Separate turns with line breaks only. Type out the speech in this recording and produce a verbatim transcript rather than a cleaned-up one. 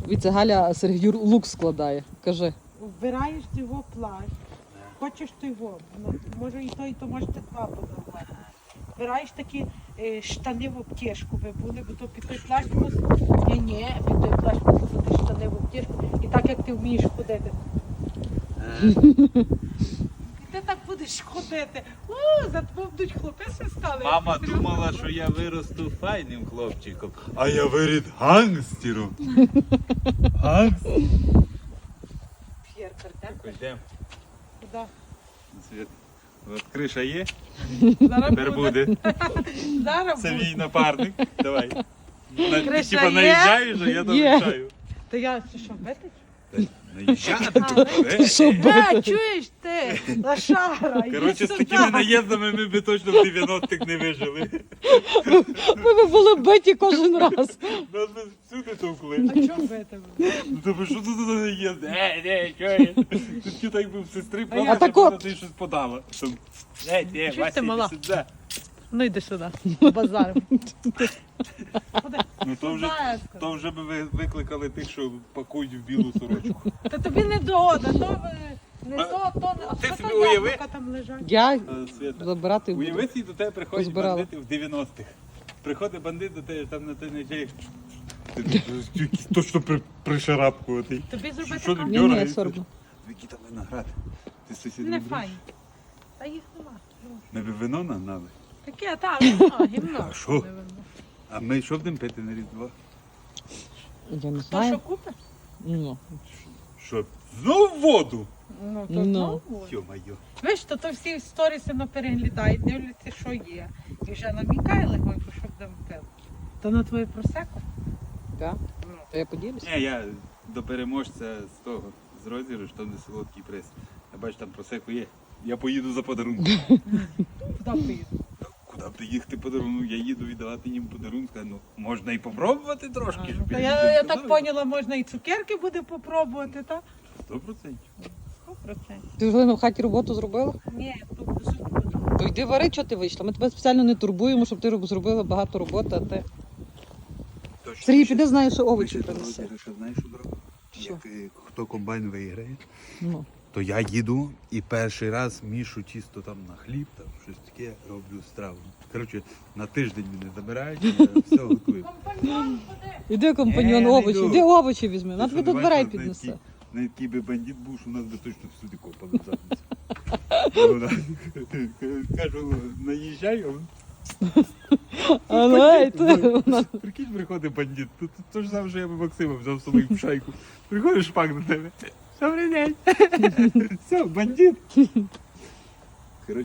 Віце Галя Сергію лук складає. Кажи.
Вбираєш його плащ, хочеш ти його, ну, може і то, і то можете два подарувати. Вбираєш такі е, штани в обтяжку, ви були, бо то під той плащ мусить. Ні, ні, під той плащ мусить бути штани в обтяжку. І так як ти вмієш ходити. І ти так будеш ходити. О, за тобою будуть хлопи свистали.
Мама думала, що я виросту файним хлопчиком, а я вирід гангстером. Гангстер.
П'єр, картен.
Йдемо.
Куди?
Світ. От криша є,
Зараз
тепер буде.
Зараз
Це
буде.
мій напарник. Давай. На, ти
Криша
типа
є?
наїжджаєш, а я
Є.
доїжджаю.
Та я що, що бити?
Наїжджати?
Ти що,
Е, чуєш ти, лошара, йди
Коротше, з
сюди.
такими наїздами ми б точно в дев'яностих не вижили.
Ми б були биті кожен раз.
Нас би всюди товкли.
А чого бити?
Ну тобі що тут за наїзд? Ей, ей, що є? Тут ті так би в сестри
А я
плакати,
так
щоб
от.
вона тобі щось подала. Там, Ей, ей,
Чуєш ти,
Вася,
мала?
іди сюди.
Ну йди сюди, базар.
Ну то вже, то вже би ви викликали тих, що пакують в білу сорочку.
Та тобі не догода, то ви- не
А,
то, то не. А
ти
що
собі
там
уяви?
яблука там лежать?
Я
Е, Свята,
забирати буду.
уяви, і до тебе приходять
Позбирала.
бандити в дев'яностих. Приходить бандит до тебе, там на той нечай. Ти тут якийсь точно при, пришарапкуватий.
Тобі зробити
Що ти
камеру?
Ні, ні,
дергаєшся?
сорбно.
Який там виноград? Ти сусід
Не
любиш?
файні. Та їх нема.
Ми б вино нагнали.
Таке, так, нема, гімно.
А що?
Не видно.
А ми що будемо пити на Різдво?
Я не
То що
знаю.
купиш?
Ну.
Що? Знов воду?
Ну, то
Ну.
знову.
Йо-моє.
Ви ж, то, то всі сторіси на переглядають, дивляться, що є. І вже намікає легонько, щоб там пив. То на твоє просеко?
Так?
Ну.
То я поділюсь.
Ні, я до переможця з того, з розіграшу, там де солодкий приз. Я бачу, там просеку є. Я поїду за подарунком.
Куди поїду?
Куди б ти їхати подарунок? Я їду віддавати їм подарунок. Ну, можна і попробувати трошки.
А,
щоб
ну, та
їм
я, я
сказали.
так поняла, можна і цукерки буде попробувати, так?
Сто процентів.
сто процентів.
Ти вже в хаті роботу зробила?
Ні, тут суп буду.
То йди вари, чого ти вийшла. Ми тебе спеціально не турбуємо, щоб ти роб- зробила багато роботи, а ти.
Точно.
Сергій,
Ще-
піди, знаєш, що
ми
овочі
ще до
принеси.
розіграшу, знаєш, що зробимо?
Що?
Як е, хто комбайн виграє,
Ну.
то я їду і перший раз мішу тісто там на хліб, там щось таке, роблю страву. Коротше, на тиждень мене забирають, і я все готую.
Компаньон, ходи.
Іди, компаньон,
Е, не
овочі,
йду.
іди овочі візьми.
Ти
На
що,
тобі
давай
тут дверей
так, на
піднесе.
який- На який би бандит був, що у нас би точно всюди копали в задницю. Ну, да. Кажу, наїжджай, а він,
А ну, ей, ти. вона-
прикинь, приходить бандит. То, то, то ж саме, що я би Максима взяв з собою в шайку. Приходить шпак до тебе. Добрий день. Все, бандит.